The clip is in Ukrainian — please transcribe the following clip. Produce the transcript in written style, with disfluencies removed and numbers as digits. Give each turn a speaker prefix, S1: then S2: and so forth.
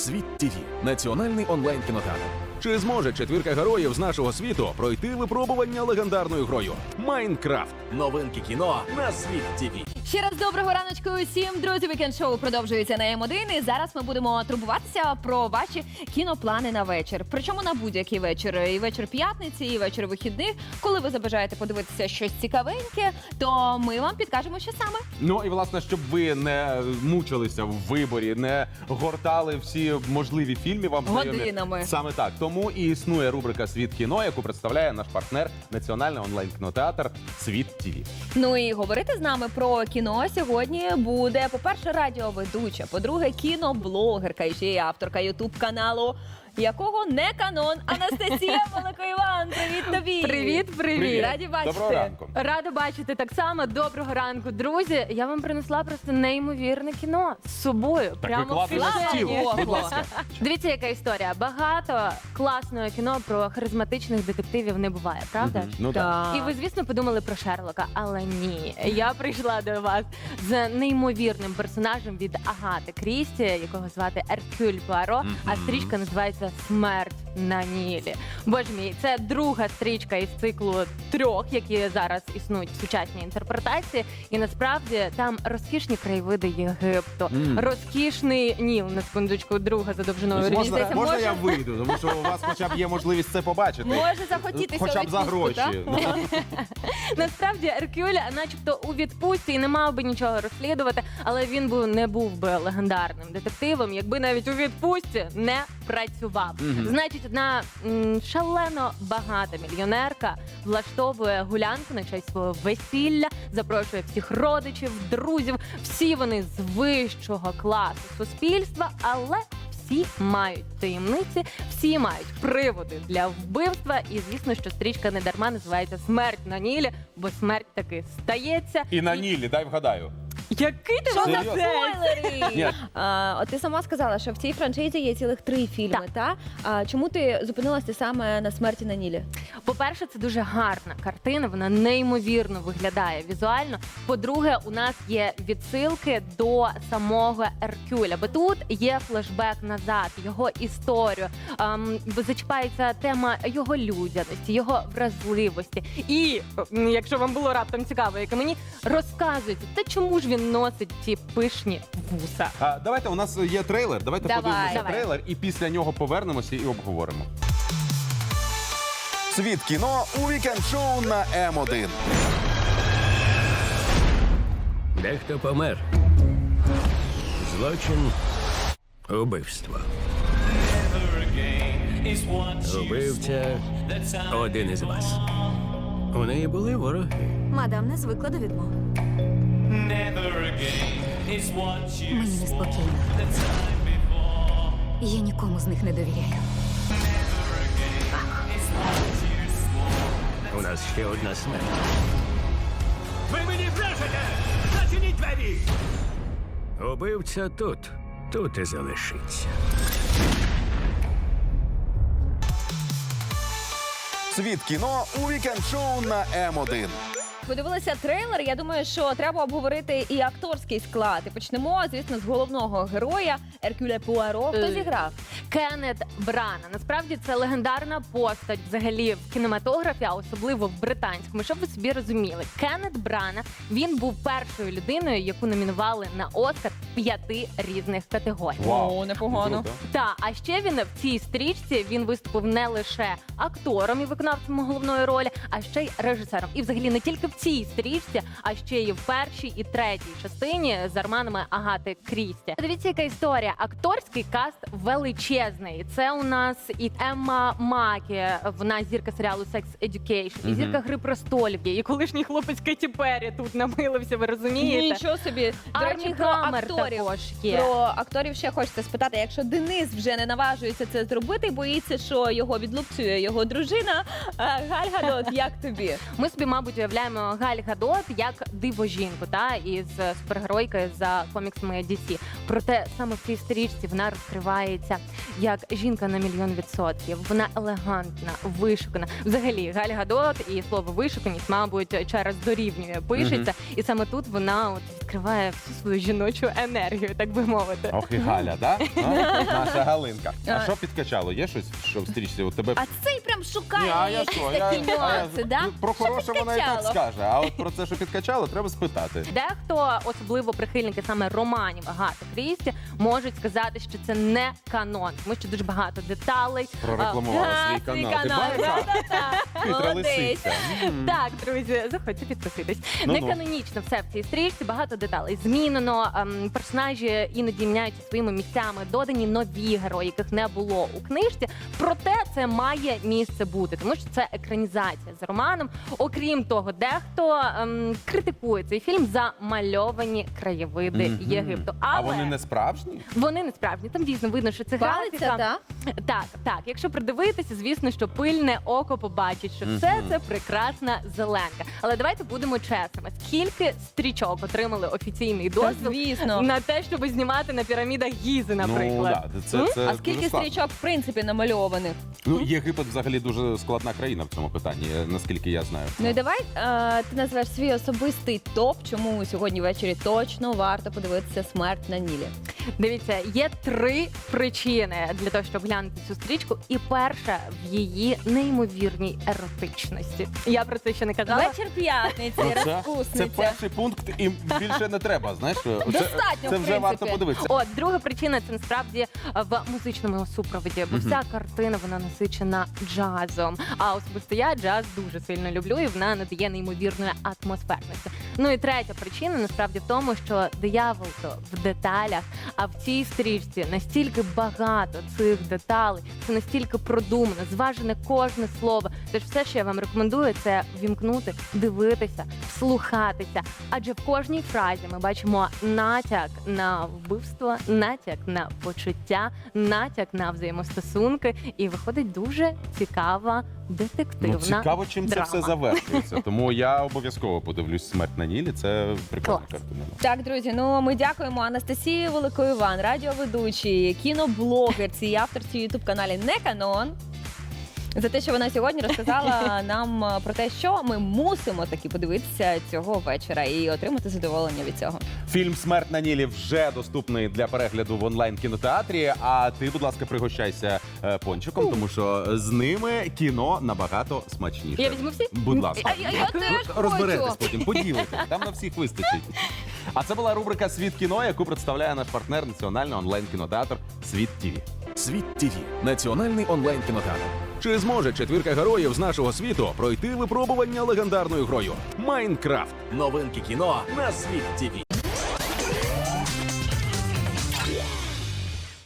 S1: Світ ТВ – національний онлайн-кінотеатр. Чи зможе четвірка героїв з нашого світу пройти випробування легендарною грою Майнкрафт? Новинки кіно на Світ ТВ.
S2: Ще раз доброго раночку усім, друзі. Вікенд-шоу продовжується на М1. І зараз ми будемо турбуватися про ваші кіноплани на вечір. Причому на будь-який вечір. І вечір п'ятниці, і вечір вихідних. Коли ви забажаєте подивитися щось цікавеньке, то ми вам підкажемо, що саме.
S3: Ну і власне, щоб ви не мучилися в виборі, не гортали всі можливі фільми вам знайомі.
S2: Годинами.
S3: Саме так. Тому і існує рубрика «Світ кіно», яку представляє наш партнер Національний онлайн-кінотеатр «Світ ТВ».
S2: Ну і говорити з нами про кіно сьогодні буде, по-перше, радіоведуча, по-друге, кіноблогерка і ще й авторка ютуб-каналу, якого не канон, Анастасія Волокоїван. Привіт тобі!
S4: Привіт, привіт!
S3: Привіт.
S2: Раді бачити.
S3: Доброго ранку.
S4: Рада бачити так само. Доброго ранку, друзі. Я вам принесла просто неймовірне кіно з собою.
S3: Так
S4: прямо
S3: викладай
S4: в
S3: на
S4: кишені.
S3: стіл, будь ласка.
S4: Дивіться, яка історія. Багато класного кіно про харизматичних детективів не буває, правда?
S3: Ну так.
S4: І ви, звісно, подумали про Шерлока, але ні. Я прийшла до вас з неймовірним персонажем від Агати Крісті, якого звати Еркюль Пуаро, а стрічка називається «Смерть на Нілі». Боже мій, це друга стрічка із циклу 3, які зараз існують в сучасній інтерпретації. І насправді там розкішні краєвиди Єгипту, розкішний Ніл, на секундочку, друга за довжиною
S3: Ось
S4: річниця.
S3: можна я вийду, тому що у вас хоча б є можливість це побачити.
S2: Може захотітися
S3: Хоча б за
S2: відпустку, так?
S3: гроші.
S4: Насправді Еркюль начебто у відпустці і не мав би нічого розслідувати, але він не був би легендарним детективом, якби навіть у відпустці не працював. Значить, одна шалено багата мільйонерка влаштовує гулянку на честь свого весілля, запрошує всіх родичів, друзів, всі вони з вищого класу суспільства, але всі мають таємниці, всі мають приводи для вбивства. І звісно, що стрічка не дарма називається «Смерть на Нілі», бо смерть таки стається.
S3: І на Нілі, дай вгадаю.
S4: Який ти
S2: Що за
S3: Серйозно?
S2: спойлери?
S3: Ні.
S2: От ти сама сказала, що в цій франшизі є цілих 3 фільми, та? Чому ти зупинилася саме на «Смерті на Нілі»?
S4: По-перше, це дуже гарна картина, вона неймовірно виглядає візуально. По-друге, у нас є відсилки до самого Еркюля, бо тут є флешбек назад, його історію, зачіпається тема його людяності, його вразливості. І, якщо вам було раптом цікаво, як і мені, розказується, та чому ж він носить ці пишні вуса.
S3: Давайте, у нас є трейлер, давайте
S2: Давай.
S3: подивимося
S4: Давай.
S3: трейлер і після нього повернемося і обговоримо.
S1: Світ кіно у вікенд-шоу на М1.
S5: Дехто помер. Злочин – убивство. Убивця – один із вас. У неї були вороги.
S6: Мадам не звикла до відмов. Мені неспокійно. Я нікому з них не довіряю.
S5: У нас ще одна смерть. Ви мені брешете! Зачиніть двері! Убивця тут і залишиться.
S1: Світ кіно у вікенд-шоу на М1.
S2: Подивилися трейлер, я думаю, що треба обговорити і акторський склад. І почнемо, звісно, з головного героя Еркюля Пуаро. Хто зіграв?
S4: Кеннет Брана. Насправді це легендарна постать взагалі в кінематографі, а особливо в британському. Щоб ви собі розуміли, Кеннет Брана, він був першою людиною, яку номінували на Оскар в 5 різних категоріях.
S2: О, непогано.
S3: Круто.
S4: А ще він в цій стрічці він виступив не лише актором і виконавцем головної ролі, а ще й режисером. І взагалі не тільки в цій стрічці, а ще й в першій і третій частині з романами Агати Крісті. Дивіться, яка історія. Акторський каст величезний. Це у нас і Емма Макі, вона зірка серіалу «Sex Education», і зірка «Гри престолів», і колишній хлопець Кеті Перрі тут намилився, ви розумієте?
S2: Нічого собі. До
S4: Армі
S2: речі, про
S4: Гаммер
S2: акторів.
S4: також є.
S2: Про акторів ще хочеться спитати. Якщо Денис вже не наважується це зробити, боїться, що його відлупцює його дружина, Галь Гадот, як тобі?
S4: Ми собі, мабуть, уявляємо Галь Гадот як диво-жінку, із супергеройки за коміксами DC. Проте саме в цій стрічці вона розкривається як жінка на 1,000,000%. Вона елегантна, вишукана. Взагалі, Галь Гадот і слово вишуканість, мабуть, через дорівнює пишеться. І саме тут вона відкриває всю свою жіночу енергію, так би мовити.
S3: Ох і Галя, да? Наша Галинка. А що підкачало? Є щось, що в стрічці у тебе?
S2: А цей прям шукає
S3: Ні, а я
S2: якісь
S3: що?
S2: такі нюанси, да?
S3: Про
S2: Що
S3: хороше вона і так
S2: підкачало?
S3: скаже. А от про це, що підкачало, треба спитати.
S4: Дехто, особливо прихильники саме романів Агати Крісті, можуть сказати, що це не канон, тому що дуже багато деталей.
S3: Прорекламувала свій
S2: Свій
S3: канал. Ти
S2: канал,
S3: бачиш?
S2: да-да-да.
S3: Хитра
S2: Молодець.
S3: лисиця.
S4: Так, друзі, заходьте підписуйтесь.
S3: Ну-ну.
S4: Не канонічно все в цій стрічці, багато деталей змінено. Персонажі іноді міняються своїми місцями, додані нові герої, яких не було у книжці. Проте це має місце бути, тому що це екранізація з романом. Окрім того, дехто критикує цей фільм за мальовані краєвиди
S3: Мгм.
S4: Єгипту.
S3: А
S4: Але
S3: вони не справжні?
S4: вони не справжні. Там дійсно видно, що це
S2: Палиця,
S4: графіка.
S2: так?
S4: Так. Якщо придивитися, звісно, що пильне око побачить, що все це прекрасна зеленка. Але давайте будемо чесними. Скільки стрічок отримали офіційний
S2: Та,
S4: дозвіл
S2: звісно.
S4: на те, щоб знімати на пірамідах Гізи, наприклад?
S3: Ну, да, це
S2: А
S3: дуже
S2: скільки
S3: складно.
S2: стрічок, в принципі, намальованих?
S3: Ну, Єгипет взагалі дуже складна країна в цьому питанні, наскільки я знаю.
S2: Ну і давай ти назвеш свій особистий топ, чому сьогодні ввечері точно варто подивитися «Смерть на Нілі».
S4: Дивіться, є 3 причини для того, щоб глянути цю стрічку. І перша в її неймовірній еротичності. Я про це ще не казала.
S2: Вечір п'ятниці,
S3: Ну, це
S2: розпусниця.
S3: перший пункт, і більше не треба. Знаєш,
S2: Достатньо,
S3: це
S2: в
S3: вже варто
S2: принципі.
S3: подивитися.
S4: От, друга причина це насправді в музичному супроводі, бо вся картина вона насичена джазом. А особисто я джаз дуже сильно люблю, і вона надає неймовірної атмосферності. Ну і третя причина насправді в тому, що диявол то в деталях, а в цій стрічці настільки багато цих деталей, це настільки продумано, зважене кожне слово. Тож все, що я вам рекомендую, це вімкнути, дивитися, вслухатися. Адже в кожній фразі ми бачимо натяк на вбивство, натяк на почуття, натяк на взаємостосунки, і виходить дуже цікава детективна
S3: Ну, цікаво, чим
S4: драма.
S3: це все завершується. Тому я обов'язково подивлюсь «Смерть на Нілі». Це прикольна
S4: Клас.
S3: картина.
S2: Так, друзі, ну ми дякуємо Анастасії Великоїван, радіоведучій, кіноблогерці і авторці ютуб-каналі «Не Канон», за те, що вона сьогодні розказала нам про те, що ми мусимо таки подивитися цього вечора і отримати задоволення від цього.
S3: Фільм «Смерть на Нілі» вже доступний для перегляду в онлайн-кінотеатрі. А ти, будь ласка, пригощайся пончиком, тому що з ними кіно набагато смачніше.
S4: Я візьму всі?
S3: Будь ласка.
S2: Я теж
S3: Розберетесь
S2: хочу.
S3: потім, поділитесь. Там на всіх вистачить. А це була рубрика «Світ кіно», яку представляє наш партнер національний онлайн-кінотеатр «Світ ТІВІ».
S1: Світ ТІВІ – національний онлайн-кінотеатр. Чи зможе четвірка героїв з нашого світу пройти випробування легендарною грою «Майнкрафт»? Новинки кіно на Світ ТІВІ.